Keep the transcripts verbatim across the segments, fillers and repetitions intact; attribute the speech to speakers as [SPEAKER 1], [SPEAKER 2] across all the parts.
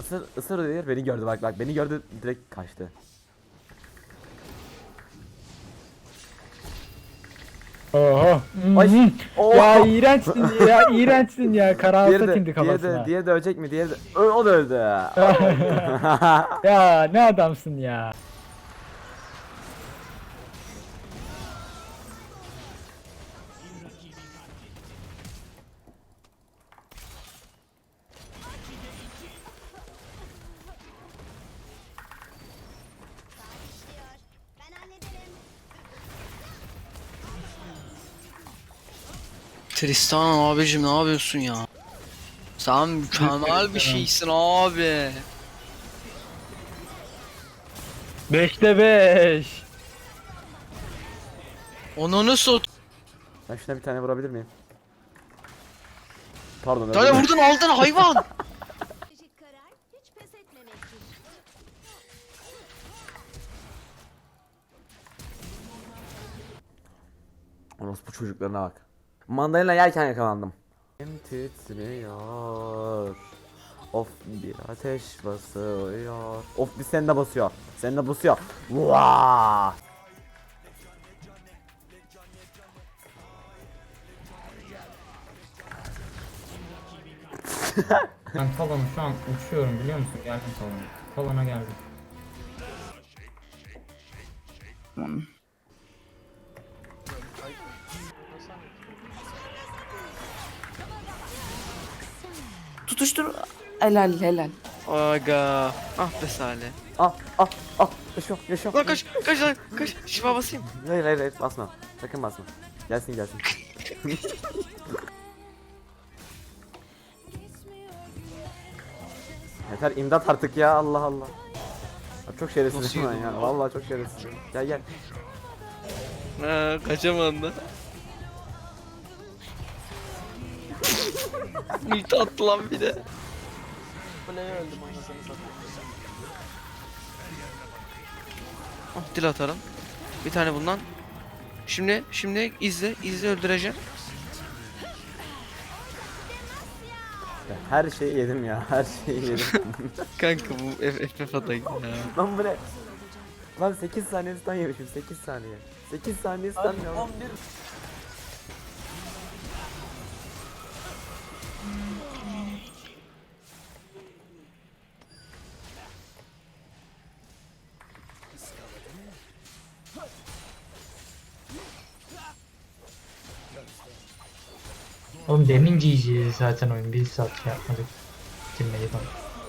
[SPEAKER 1] Isır, ısır diyor, beni gördü bak bak beni gördü direkt kaçtı.
[SPEAKER 2] Oho.
[SPEAKER 1] Ay.
[SPEAKER 2] Mhm.
[SPEAKER 1] Oh.
[SPEAKER 2] Ya iğrençsin ya iğrençsin ya.
[SPEAKER 1] Diğeri
[SPEAKER 2] Karalsa
[SPEAKER 1] de,
[SPEAKER 2] tindi
[SPEAKER 1] diğeri de,
[SPEAKER 2] kafasına.
[SPEAKER 1] diğeri de ölecek mi? Diğeri de, Ö, o da öldü. O da öldü.
[SPEAKER 2] Ya ne adamsın ya.
[SPEAKER 3] Ben hallederim.
[SPEAKER 4] Tristan abicim ne yapıyorsun ya? Sen mükemmel bir şeysin abi.
[SPEAKER 2] Beşte beş.
[SPEAKER 4] Onu sot.
[SPEAKER 1] Ben şuna bir tane vurabilir miyim? Pardon.
[SPEAKER 4] Tane
[SPEAKER 1] öldüm.
[SPEAKER 4] vurdun aldın hayvan.
[SPEAKER 3] Stratejik karar hiç pes etmemektir.
[SPEAKER 1] Orospu çocuklarına bak. Mandalina yerken yakalandım. Elim titriyor. Of bir ateş basıyor. Of bir sende basıyor. Sende basıyor. Vaa!
[SPEAKER 5] Ben Talon'u şu an uçuyorum biliyor musun? Geldim Talon'a. Talon'a geldim.
[SPEAKER 6] Tutuştur. Helal helal.
[SPEAKER 4] Aga. Ah be Salih.
[SPEAKER 1] Ah ah ah yaşıyor yaşıyor.
[SPEAKER 4] Lan kaç kaç lan kaç. Şifa basayım.
[SPEAKER 1] Hayır hayır hayır basma. Sakın basma. Gelsin gelsin. Yeter imdat artık ya Allah Allah. Abi çok şerefsizim
[SPEAKER 4] Nasıl
[SPEAKER 1] ben
[SPEAKER 4] yedin
[SPEAKER 1] ya.
[SPEAKER 4] lan?
[SPEAKER 1] Vallahi çok şerefsizim. Gel gel.
[SPEAKER 4] Ha kaçamadım da. Ulti attı lan bir de. Ah dil atarım. Bir tane bundan. Şimdi şimdi izle izle öldüreceğim.
[SPEAKER 1] Ya her şeyi yedim ya. Her şeyi yedim.
[SPEAKER 4] Kanka bu F F F atayım ya.
[SPEAKER 1] Lan bu ne? Lan sekiz saniye stun yemişim. sekiz saniye. sekiz saniye stun ya.
[SPEAKER 5] Oğlum demin G G zaten oyun. Bir saat şey yapmadık. Bitirmeyi falan.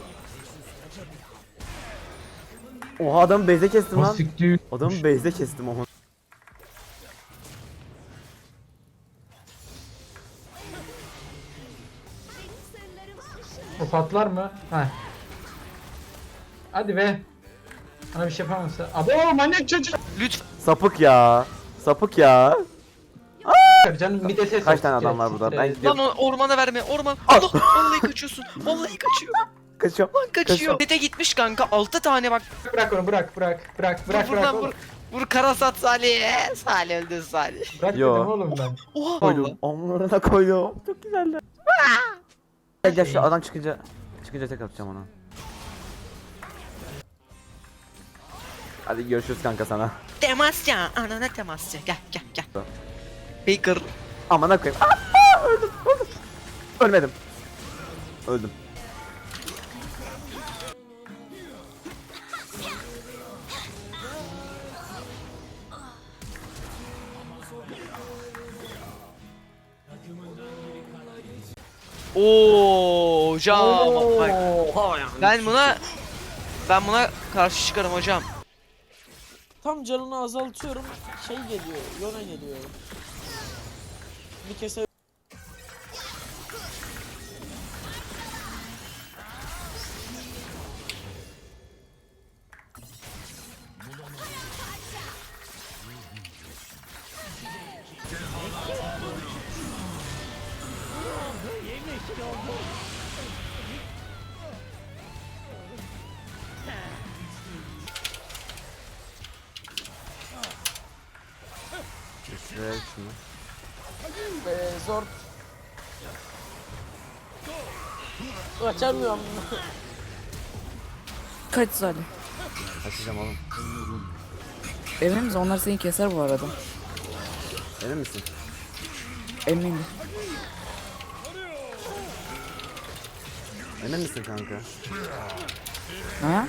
[SPEAKER 1] Oha adamı base'e kestim
[SPEAKER 5] O
[SPEAKER 1] lan.
[SPEAKER 5] siktir.
[SPEAKER 1] Adamı base'e kestim oha.
[SPEAKER 3] Benim sırlarım
[SPEAKER 5] O patlar mı? Heh. Hadi be. Bana bir şey yapamazsa. Abo manyak çocuk.
[SPEAKER 4] Lütfen.
[SPEAKER 1] Sapık ya. Sapık ya.
[SPEAKER 5] Canım bir de ses
[SPEAKER 1] Kaç
[SPEAKER 5] ol,
[SPEAKER 1] tane
[SPEAKER 5] siktir
[SPEAKER 1] adam
[SPEAKER 5] et,
[SPEAKER 1] var burada?
[SPEAKER 5] siktir
[SPEAKER 1] Ben
[SPEAKER 5] et.
[SPEAKER 1] gidiyorum.
[SPEAKER 4] Lan o ormana verme orman. Allah vallahi kaçıyorsun. Vallahi kaçıyor.
[SPEAKER 1] Kaçıyorum.
[SPEAKER 4] Lan kaçıyor. Dede gitmiş kanka altı tane bak.
[SPEAKER 5] Bırak onu bırak bırak bırak bırak
[SPEAKER 4] vur
[SPEAKER 5] bırak.
[SPEAKER 4] lan
[SPEAKER 5] oğlum.
[SPEAKER 4] vur. Vur karasat Salih. Salih öldü Salih.
[SPEAKER 5] Bırak
[SPEAKER 1] Yo.
[SPEAKER 5] dedim oğlum ben.
[SPEAKER 4] Oha
[SPEAKER 1] Koydum.
[SPEAKER 4] valla.
[SPEAKER 1] Onlara koydum. Çok güzeldi. Gel gel şu adam çıkınca çıkınca tek atacağım ona. Hadi görüşürüz kanka sana.
[SPEAKER 4] Temasya. Anana temasya. Gel gel gel. Baker.
[SPEAKER 1] Amına koyayım. Aa, aa, öldüm, öldüm. Ölmedim. Öldüm.
[SPEAKER 4] Oo hocam. Bak, ben buna ben buna karşı çıkarım hocam.
[SPEAKER 7] Tam canını azaltıyorum. Şey geliyor, Yona geliyor. Bir kese
[SPEAKER 1] Şuraya şunu.
[SPEAKER 7] Ee, zor. Açamıyorum.
[SPEAKER 6] Kaç Salih.
[SPEAKER 1] Kaçacağım oğlum.
[SPEAKER 6] Emin misin? Onlar seni keser bu arada.
[SPEAKER 1] Emin misin?
[SPEAKER 6] Eminim.
[SPEAKER 1] Emin misin kanka?
[SPEAKER 6] Ha?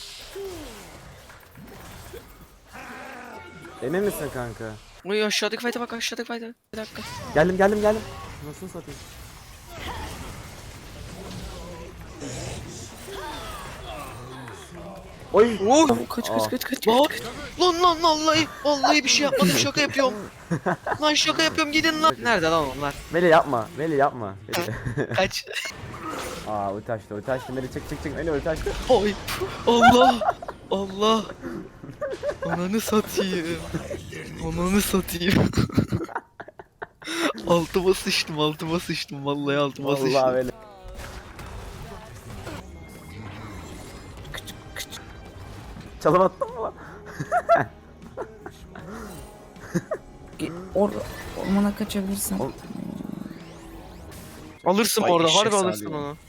[SPEAKER 1] Emin misin kanka?
[SPEAKER 4] Uy aşağıdaki fight'a bak aşağıdaki fight'a. Bir dakika.
[SPEAKER 1] Geldim geldim geldim. Nasıl satayım? Oy.
[SPEAKER 4] Oh.
[SPEAKER 6] Kaç
[SPEAKER 1] Aa.
[SPEAKER 6] kaç kaç kaç.
[SPEAKER 4] Lan lan lan vallahi vallahi bir şey yapmadım şaka yapıyorum. Lan şaka yapıyorum gidin lan. Nerede lan onlar?
[SPEAKER 1] Meli yapma. Meli yapma. Meli.
[SPEAKER 4] Kaç.
[SPEAKER 1] Aa ulti açtı ulti açtı. Meli çık çık çık. Meli ulti açtı.
[SPEAKER 4] Oy. Allah. Allah. Ananı satayım. Ananı satayım. altıma sıçtım altıma sıçtım vallahi altıma
[SPEAKER 1] Vallahi
[SPEAKER 4] sıçtım.
[SPEAKER 1] Meli. Çalım attın mı lan?
[SPEAKER 6] Ge- Or ormana kaçabilirsen.
[SPEAKER 1] Oğlum.
[SPEAKER 4] Alırsın
[SPEAKER 8] Vay
[SPEAKER 4] orada
[SPEAKER 8] eşek
[SPEAKER 4] harbi alırsın
[SPEAKER 8] sağlıyor.
[SPEAKER 4] onu.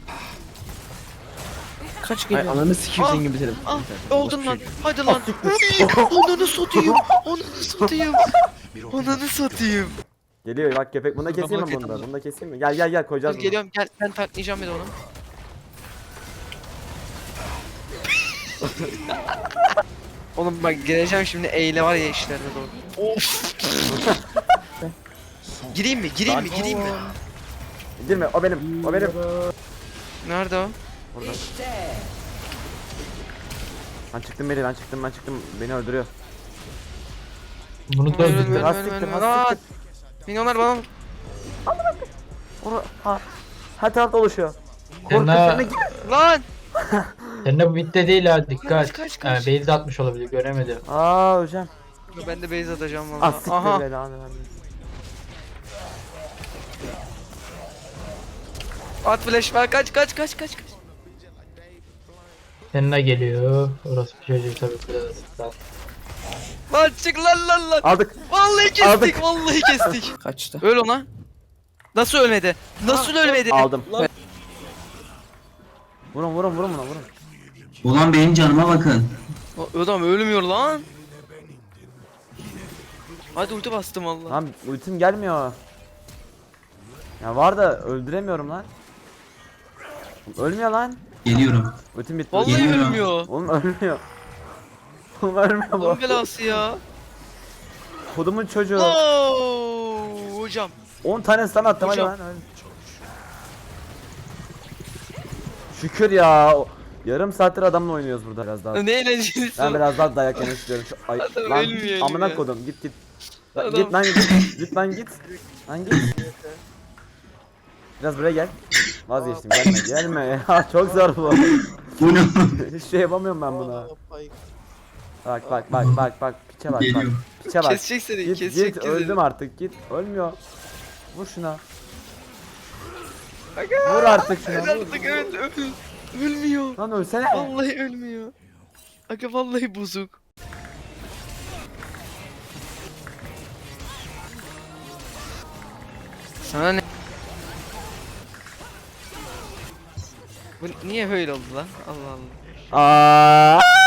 [SPEAKER 6] Kaç
[SPEAKER 8] Ay
[SPEAKER 6] geliyor?
[SPEAKER 8] ananı sikeyim
[SPEAKER 4] Ah,
[SPEAKER 8] senin gibi biterim.
[SPEAKER 4] Ah oldun lan. Hadi lan. Ananı satayım. Ananı satayım. Ananı satayım.
[SPEAKER 1] Geliyor bak köpek. Bunu da keseyim mi
[SPEAKER 4] Bak
[SPEAKER 1] bunu da?
[SPEAKER 4] yedim.
[SPEAKER 1] Bunu da keseyim mi? Gel gel gel koyacağız
[SPEAKER 4] Dur
[SPEAKER 1] bunu.
[SPEAKER 4] geliyorum gel ben taklayacağım bir de onu. Oğlum bak geleceğim şimdi eyle var ya işlerine doğru. Of. gireyim mi? Gireyim mi? Gireyim mi?
[SPEAKER 1] Girme o benim. O benim.
[SPEAKER 4] Nerede o?
[SPEAKER 1] Burada. Ben çıktım Meli ben çıktım ben çıktım. Beni öldürüyor.
[SPEAKER 5] Bunu da
[SPEAKER 4] Ver, ver,
[SPEAKER 5] öldürdü.
[SPEAKER 4] ver,
[SPEAKER 1] has
[SPEAKER 4] ver,
[SPEAKER 1] siktir,
[SPEAKER 4] ver,
[SPEAKER 1] has
[SPEAKER 4] ver.
[SPEAKER 1] siktir.
[SPEAKER 4] Milyonlar bana mı?
[SPEAKER 1] Ora, ha. Her tarafta oluşuyor. Korku
[SPEAKER 5] Yanına,
[SPEAKER 1] içine gir.
[SPEAKER 4] Lan!
[SPEAKER 5] yanına bu bitti değil ha dikkat.
[SPEAKER 4] Kaç, kaç, kaç.
[SPEAKER 5] Ee, base atmış olabilir göremedim.
[SPEAKER 1] Aa hocam.
[SPEAKER 4] Ben de base atacağım
[SPEAKER 1] Ah
[SPEAKER 4] valla.
[SPEAKER 1] siktir
[SPEAKER 4] Aha.
[SPEAKER 1] belanı vermesin.
[SPEAKER 4] At flash ver kaç kaç kaç kaç kaç.
[SPEAKER 5] Yanına geliyor. Orası bir çocuğu tabii kırılır.
[SPEAKER 4] Lan çık lan lan lan.
[SPEAKER 1] Aldık.
[SPEAKER 4] Vallahi kestik
[SPEAKER 1] Aldık.
[SPEAKER 4] vallahi kestik.
[SPEAKER 6] Kaçtı.
[SPEAKER 4] Öl ona. Nasıl ölmedi? Nasıl ölmedi?
[SPEAKER 1] Aldım.
[SPEAKER 7] Lan.
[SPEAKER 1] Vurun vurun vurun buna vurun.
[SPEAKER 9] Ulan benim canıma bakın.
[SPEAKER 4] O adam ölmüyor lan. Hadi ulti bastım valla.
[SPEAKER 1] Lan ultim gelmiyor. Ya var da öldüremiyorum lan. Ölmüyor lan.
[SPEAKER 9] Geliyorum.
[SPEAKER 1] Ultim bitti.
[SPEAKER 4] Vallahi
[SPEAKER 9] Geliyorum.
[SPEAKER 4] ölmüyor.
[SPEAKER 1] Oğlum ölmüyor. Oğlum ölmüyor bu.
[SPEAKER 4] Allah'ın belası ya.
[SPEAKER 1] Kodumun çocuğu.
[SPEAKER 4] Oo, hocam.
[SPEAKER 1] on tane stun attım hadi
[SPEAKER 4] Hocam.
[SPEAKER 1] lan. öl. Şükür ya. o- Yarım saattir adamla oynuyoruz burada biraz daha.
[SPEAKER 4] Ne eğlenceli.
[SPEAKER 1] Ben biraz daha dayak yemek istiyorum. Şu, ay,
[SPEAKER 4] Adam
[SPEAKER 1] lan
[SPEAKER 4] ölmüyor
[SPEAKER 1] amına
[SPEAKER 4] ya.
[SPEAKER 1] kodum git git. Lan
[SPEAKER 4] Adam-
[SPEAKER 1] Git lan git. Git lan git. Lan git. Biraz buraya gel. Vazgeçtim gelme gelme ya çok zor bu.
[SPEAKER 9] Bu ne?
[SPEAKER 1] Hiç şey yapamıyorum ben buna.
[SPEAKER 7] Aa, pay-
[SPEAKER 1] Bak bak bak bak bak piçe bak bak.
[SPEAKER 9] Geliyorum.
[SPEAKER 1] Piçe bak.
[SPEAKER 4] Kesecek seni,
[SPEAKER 1] Git
[SPEAKER 4] kesecek
[SPEAKER 1] git
[SPEAKER 4] seni.
[SPEAKER 1] öldüm artık git. Ölmüyor. Vur şuna. Vur artık şuna.
[SPEAKER 4] Öl
[SPEAKER 1] Vur.
[SPEAKER 4] artık öl öl. Ölmüyor.
[SPEAKER 1] Lan ölsene.
[SPEAKER 4] Vallahi ölmüyor. Aga vallahi bozuk. Sana ne? Bu niye böyle oldu lan? Allah Allah.
[SPEAKER 1] Aa!